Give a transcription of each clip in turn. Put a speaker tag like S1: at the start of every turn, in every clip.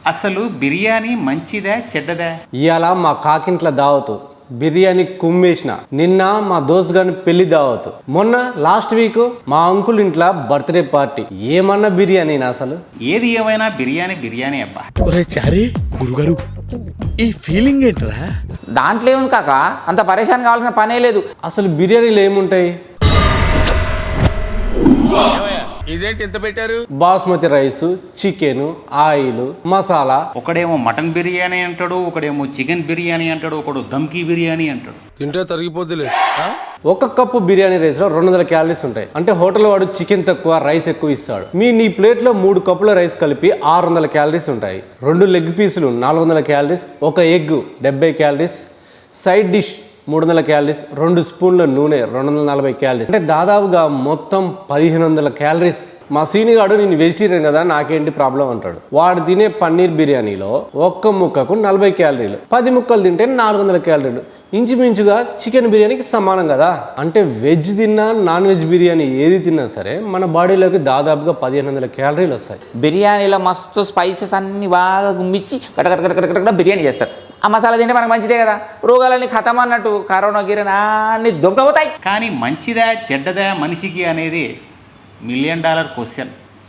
S1: అసలు బిర్యానీ మంచిదా చెడ్డదా?
S2: ఇవాళ మా కాకింట్ల దావతు బిర్యానీ కుమ్మేసిన. నిన్న మా దోస్త్ గాని పెళ్లి దావతు. మొన్న లాస్ట్ వీక్ మా అంకుల్ ఇంట్లో బర్త్డే పార్టీ. ఏమన్నా బిర్యానీ అసలు.
S1: ఏది ఏమైనా బిర్యానీ బిర్యానీ అబ్బా.
S3: చారీ గురుగారు ఈ ఫీలింగ్ ఏంట్రా?
S4: దాంట్లో ఏముంది కాక, అంత పరేషాన్ కావాల్సిన పనే లేదు.
S2: అసలు బిర్యానీలు ఏముంటాయి?
S3: ఇదేంటి ఇంత పెట్టారు?
S2: Basmati rice, chicken, oil, masala.
S1: ఒకడేమో మటన్ బిర్యానీ అంటాడు, ఒకడేమో చికెన్ బిర్యానీ అంటాడు, ఒకడు దమ్కి బిర్యానీ అంటాడు.
S3: తింటే తరిగిపోద్దులే.
S2: ఒక కప్పు బిర్యానీ రైస్ లో 200 క్యాలరీస్ ఉంటాయి. అంటే హోటల్ వాడు చికెన్ తక్కువ రైస్ ఎక్కువ ఇస్తాడు. నీ ప్లేట్ లో 3 కప్పుల రైస్ కలిపి 600 క్యాలరీస్ ఉంటాయి. 2 లెగ్ పీసులు 400 క్యాలరీస్, ఒక egg 70 calories, side dish 300 calories, 2 స్పూన్ల నూనె 240 క్యాలరీస్. అంటే దాదాపుగా మొత్తం 1500 క్యాలరీస్. మా సీనిగాడు నేను వెజిటేరియన్ కదా నాకేంటి ప్రాబ్లం అంటాడు. వాడు తినే పన్నీర్ బిర్యానీలో ఒక్క ముక్కకు 40 క్యాలరీలు, 10 ముక్కలు తింటే 400 క్యాలరీలు. ఇంచుమించుగా చికెన్ బిర్యానీకి సమానం కదా. అంటే వెజ్ తిన్నా నాన్ వెజ్ బిర్యానీ ఏది తిన్నా సరే మన బాడీలోకి దాదాపుగా 1500 క్యాలరీలు వస్తాయి.
S4: బిర్యానీలో మస్తు స్పైసెస్ అన్ని బాగా గుమ్మిచ్చి కటకట బిర్యానీ చేస్తారు. ఆ మసాలా తింటే మనకు మంచిదే కదా. రోగాలన్నీ ఖతం అన్నట్టు కరోనా గిరోనా అన్ని దొంగపోతాయి.
S1: కానీ మంచిదా చెడ్డదా మనిషికి అనేది $1 మిలియన్ క్వశ్చన్.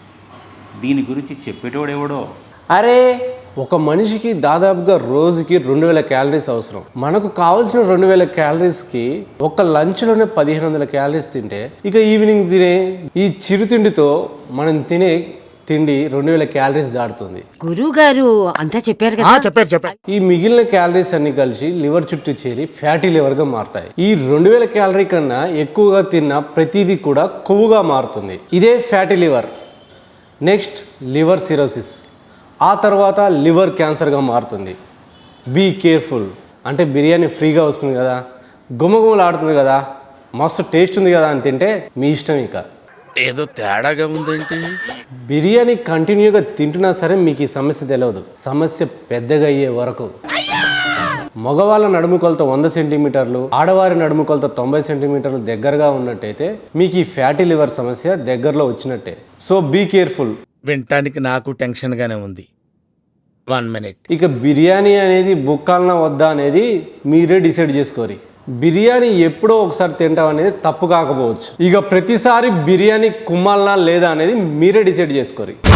S1: దీని గురించి చెప్పేటోడెవడో.
S4: అరే
S2: ఒక మనిషికి దాదాపుగా రోజుకి 2000 క్యాలరీస్ అవసరం. మనకు కావాల్సిన 2000 క్యాలరీస్కి ఒక లంచ్లోనే 1500 క్యాలరీస్ తింటే ఇక ఈవినింగ్ తినే ఈ చిరుతిండితో మనం తినే తిండి 2000 క్యాలరీస్ దాటుతుంది.
S5: గురువు గారు అంతా చెప్పారు కదా.
S3: చెప్పారు.
S2: ఈ మిగిలిన క్యాలరీస్ అన్ని కలిసి లివర్ చుట్టూ చేరి ఫ్యాటీ లివర్ గా మారుతాయి. ఈ 2000 క్యాలరీ కన్నా ఎక్కువగా తిన్న ప్రతిదీ కూడా కొవ్వుగా మారుతుంది. ఇదే fatty liver. Next liver cirrhosis, ఆ తర్వాత లివర్ క్యాన్సర్గా మారుతుంది. Be careful. అంటే బిర్యానీ ఫ్రీగా వస్తుంది కదా, గుమగుమలాడుతుంది కదా, మస్తు టేస్ట్ ఉంది కదా అని తింటే మీ ఇష్టం. ఇక
S3: ఏదో తేడాగా ఉందేంటి?
S2: బిర్యానీ కంటిన్యూగా తింటున్నా సరే మీకు ఈ సమస్య తెలియదు. సమస్య పెద్దగా అయ్యే వరకు. మగవాళ్ళ నడుము కొలత 100 సెంటీమీటర్లు, ఆడవారి నడుము కొలత 90 సెంటీమీటర్లు దగ్గరగా ఉన్నట్టయితే మీకు ఈ ఫ్యాటీ లివర్ సమస్య దగ్గరలో వచ్చినట్టే. So be careful.
S3: వినటానికి నాకు టెన్షన్ గానే ఉంది. 1 మినిట్.
S2: ఇక బిర్యానీ అనేది బుక్కాలనా వద్దా అనేది మీరే డిసైడ్ చేసుకోరి. బిర్యానీ ఎప్పుడో ఒకసారి తింటాం అనేది తప్పు కాకపోవచ్చు. ఇక ప్రతిసారి బిర్యానీ కుమ్మాలనా లేదా అనేది మీరే డిసైడ్ చేసుకోరి.